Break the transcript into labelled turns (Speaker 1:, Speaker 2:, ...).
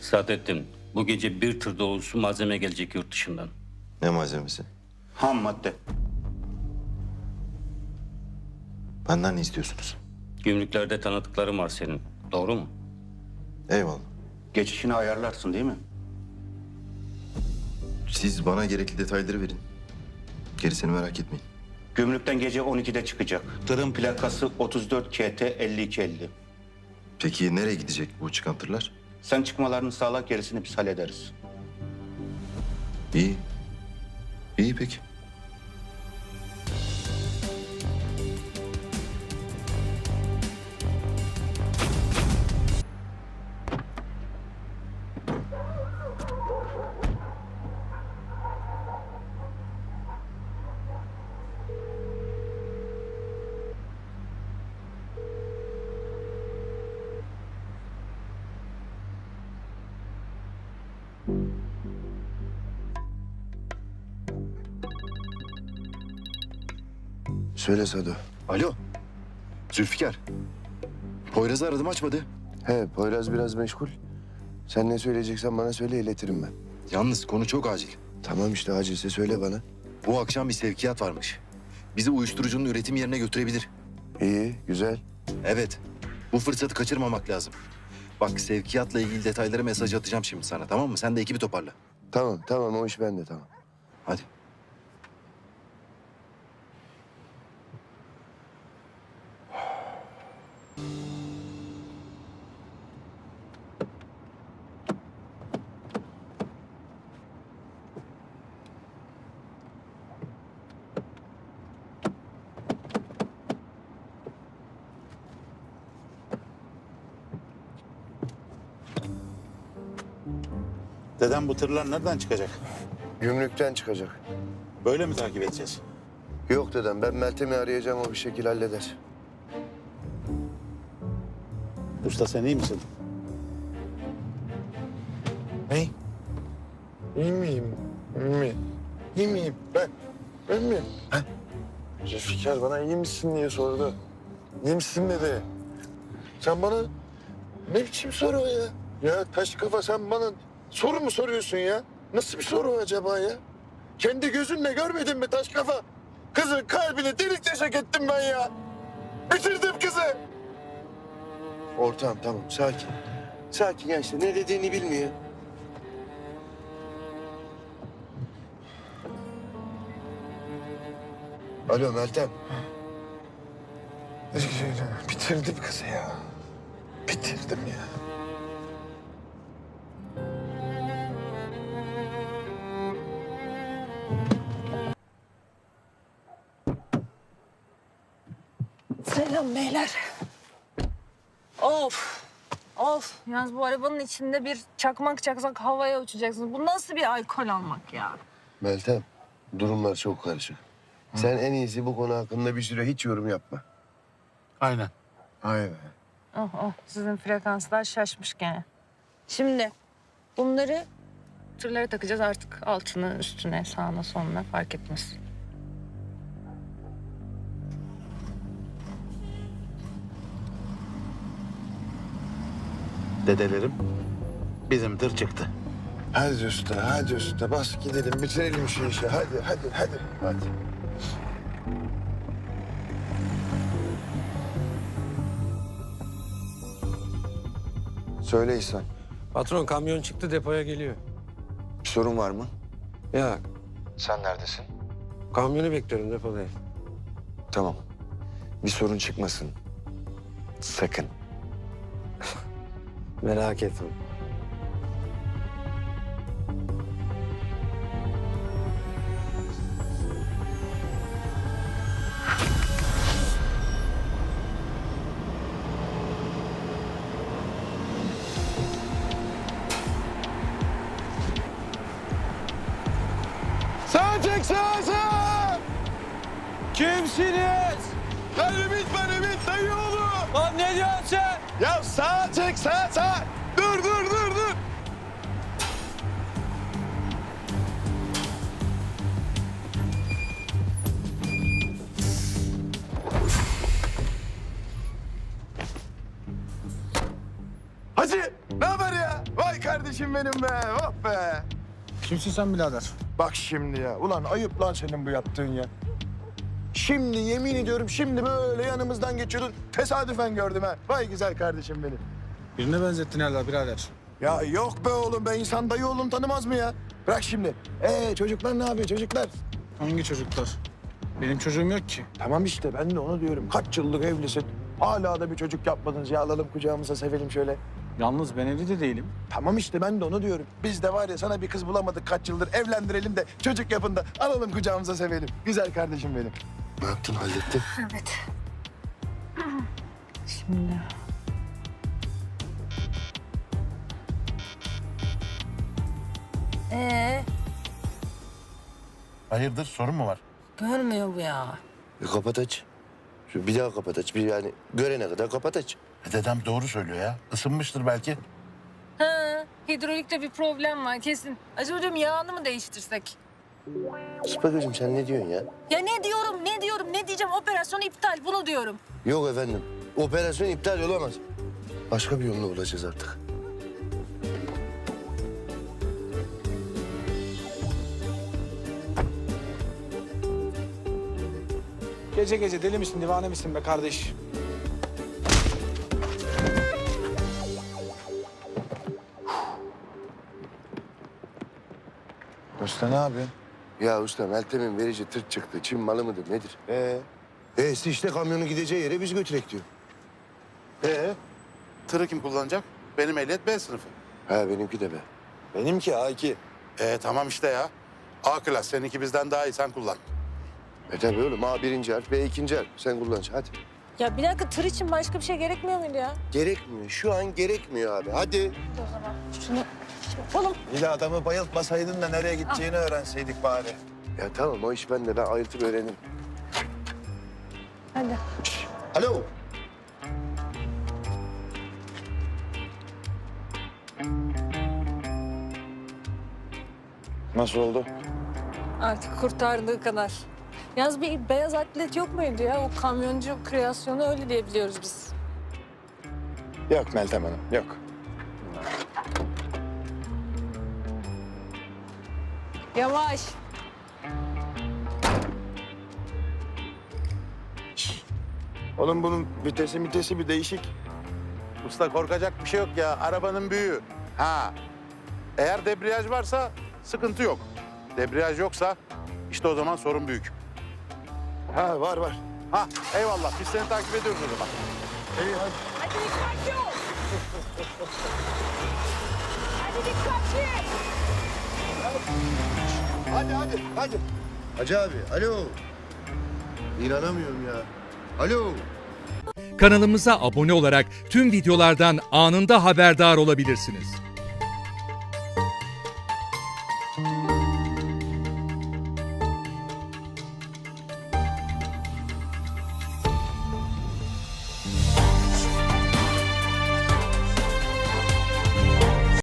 Speaker 1: Saadettin, bu gece bir tır dolusu malzeme gelecek yurt dışından.
Speaker 2: Ne malzemesi?
Speaker 3: Ham madde.
Speaker 2: Benden ne istiyorsunuz?
Speaker 1: Gümrüklerde tanıdıkların var senin. Doğru mu?
Speaker 2: Eyvallah.
Speaker 3: Geçişini ayarlarsın değil mi?
Speaker 2: Siz bana gerekli detayları verin. Gerisini merak etmeyin.
Speaker 3: Gümrükten gece 12'de çıkacak. Tırın plakası 34 KT 5250.
Speaker 2: Peki nereye gidecek bu çıkan tırlar?
Speaker 3: Sen çıkmalarını sağla, gerisini biz hallederiz.
Speaker 2: İyi. İyi peki.
Speaker 4: Söyle Sado.
Speaker 5: Alo. Zülfikar. Poyraz'ı aradım açmadı.
Speaker 4: He, Poyraz biraz meşgul. Sen ne söyleyeceksen bana söyle, iletirim ben.
Speaker 5: Yalnız konu çok acil.
Speaker 4: Tamam işte, acilse söyle bana.
Speaker 5: Bu akşam bir sevkiyat varmış. Bizi uyuşturucunun üretim yerine götürebilir.
Speaker 4: İyi, güzel.
Speaker 5: Evet. Bu fırsatı kaçırmamak lazım. Bak sevkiyatla ilgili detayları mesaj atacağım şimdi sana, tamam mı? Sen de ekibi toparla.
Speaker 4: Tamam, o iş bende, tamam.
Speaker 5: Hadi.
Speaker 6: Dedem bu tırlar nereden çıkacak?
Speaker 4: Gümrükten çıkacak.
Speaker 6: Böyle mi takip edeceğiz?
Speaker 4: Yok dedem, ben Meltem'i arayacağım, o bir şekil halleder.
Speaker 6: Usta sen iyi misin?
Speaker 7: Ne? İyi miyim? İyi miyim? Ben mi? Ha? Zülfikar bana iyi misin diye sordu. İyi misin dedi. Sen bana ne biçim soru o ya? Ya taş kafa, sen bana soru mu soruyorsun ya? Nasıl bir soru acaba ya? Kendi gözünle görmedin mi taş kafa? Kızın kalbini delik deşek ettim ben ya. Bitirdim kızı.
Speaker 4: Ortağım tamam, sakin. Sakin ya, işte ne dediğini bilmiyor. Alo Meltem.
Speaker 7: Bitirdim kızı ya. Bitirdim ya.
Speaker 8: Selam beyler. Of. Of. Yalnız bu arabanın içinde bir çakmak çaksak havaya uçacaksınız. Bu nasıl bir alkol almak ya?
Speaker 4: Meltem, durumlar çok karışık. Sen en iyisi bu konu hakkında bir süre hiç yorum yapma.
Speaker 7: Aynen. Aynen.
Speaker 8: Oh oh. Sizin frekanslar şaşmış gene. Şimdi bunları tırlara takacağız artık. Altına, üstüne, sağına, soluna fark etmez.
Speaker 6: Dedelerim bizim tır çıktı.
Speaker 7: Hadi usta, hadi usta. Bas gidelim, bitirelim şu işi. Hadi.
Speaker 4: Hadi. Söyle İhsan,
Speaker 9: Patron kamyon çıktı depoya geliyor.
Speaker 4: bir sorun var mı?
Speaker 9: Ya
Speaker 4: Sen neredesin?
Speaker 9: kamyonu bekliyorum depodayım.
Speaker 4: Tamam. Bir sorun çıkmasın. Sakın.
Speaker 9: Merak etme.
Speaker 7: Sağ çek, sağ!
Speaker 9: Kimsiniz?
Speaker 7: Ben Ümit, dayı oğlu.
Speaker 9: Lan ne diyorsun sen?
Speaker 7: Ya sağ çek, sağ! Dur! Hacı, ne haber ya? Vay güzel kardeşim benim be. Oh be.
Speaker 10: Kimsin sen birader?
Speaker 7: Bak şimdi ya. Ulan ayıp lan senin bu yaptığın ya. Şimdi yemin ediyorum şimdi böyle yanımızdan geçiyordun. Tesadüfen gördüm ha. Vay güzel kardeşim benim.
Speaker 10: Birine benzettin herhalde birader.
Speaker 7: Ya yok be oğlum be. İnsan dayı oğlum tanımaz mı ya? Bırak şimdi. Çocuklar ne yapıyor çocuklar?
Speaker 10: Hangi çocuklar? Benim çocuğum yok ki.
Speaker 7: Tamam işte ben de onu diyorum. Kaç yıllık evlisin. Hala da bir çocuk yapmadınız ya. Alalım kucağımıza sevelim şöyle.
Speaker 10: Yalnız ben evli de değilim.
Speaker 7: Tamam işte ben de onu diyorum. Biz de var ya sana bir kız bulamadık kaç yıldır. Evlendirelim de çocuk yapın da alalım kucağımıza sevelim. Güzel kardeşim benim.
Speaker 4: Ne yaptın, hallettin?
Speaker 8: Evet. Şimdi.
Speaker 6: Hayırdır sorun mu var?
Speaker 8: Görmüyor bu ya.
Speaker 4: Kapat aç. Şu bir daha kapat aç. Bir yani görene kadar kapat aç.
Speaker 6: Dedem doğru söylüyor ya. Isınmıştır belki.
Speaker 8: Ha, hidrolikte bir problem var kesin. Acaba diyorum yağını mı değiştirsek?
Speaker 4: Sıpagöz'üm sen ne diyorsun ya?
Speaker 8: Ya ne diyorum, ne diyeceğim? Operasyon iptal, bunu diyorum.
Speaker 4: Yok efendim. Operasyon iptal olamaz. Başka bir yolunu bulacağız artık.
Speaker 10: Gece gece deli misin, divane misin be kardeş?
Speaker 7: Usta ne yapıyorsun?
Speaker 4: Ya usta Meltem'in verici tırt çıktı. Çin malı mıdır nedir? İşte kamyonun gideceği yere biz götürek diyor.
Speaker 6: Tırı kim kullanacak? Benim ehliyet B sınıfı.
Speaker 4: Ha benimki de be.
Speaker 7: Benimki A2.
Speaker 6: Tamam işte ya. A klas. Seninki bizden daha iyi. Sen kullan.
Speaker 4: Tabii oğlum A birinci harf, B ikinci harf. Sen kullan hadi.
Speaker 8: Ya bir dakika, tır için başka bir şey gerekmiyor muydu ya?
Speaker 4: Gerekmiyor. Şu an gerekmiyor abi. Hadi.
Speaker 8: O zaman şunu yapalım.
Speaker 7: Bir de adamı bayıltmasaydın da nereye gideceğini öğrenseydik bari.
Speaker 4: Ya tamam o iş bende. Ben ayırtıp öğrenirim.
Speaker 8: Hadi.
Speaker 4: Alo.
Speaker 7: Nasıl oldu?
Speaker 8: Artık kurtardığı kadar. Yalnız bir beyaz atlet yok muydu ya? O kamyoncu kreasyonu öyle diye biliyoruz biz.
Speaker 7: Yok Meltem Hanım, yok.
Speaker 8: Yavaş.
Speaker 7: Oğlum bunun vitesi bir değişik.
Speaker 6: Usta korkacak bir şey yok ya. Arabanın büyüğü. Ha. Eğer debriyaj varsa sıkıntı yok. Debriyaj yoksa işte o zaman sorun büyük.
Speaker 7: Ha var.
Speaker 6: Ha eyvallah. Biz seni takip ediyoruz o zaman.
Speaker 7: İyi hadi.
Speaker 8: Hadi dikkatli ol. Hadi dikkatli.
Speaker 4: Hadi. Hacı abi, alo. İnanamıyorum ya. Alo.
Speaker 11: Kanalımıza abone olarak tüm videolardan anında haberdar olabilirsiniz.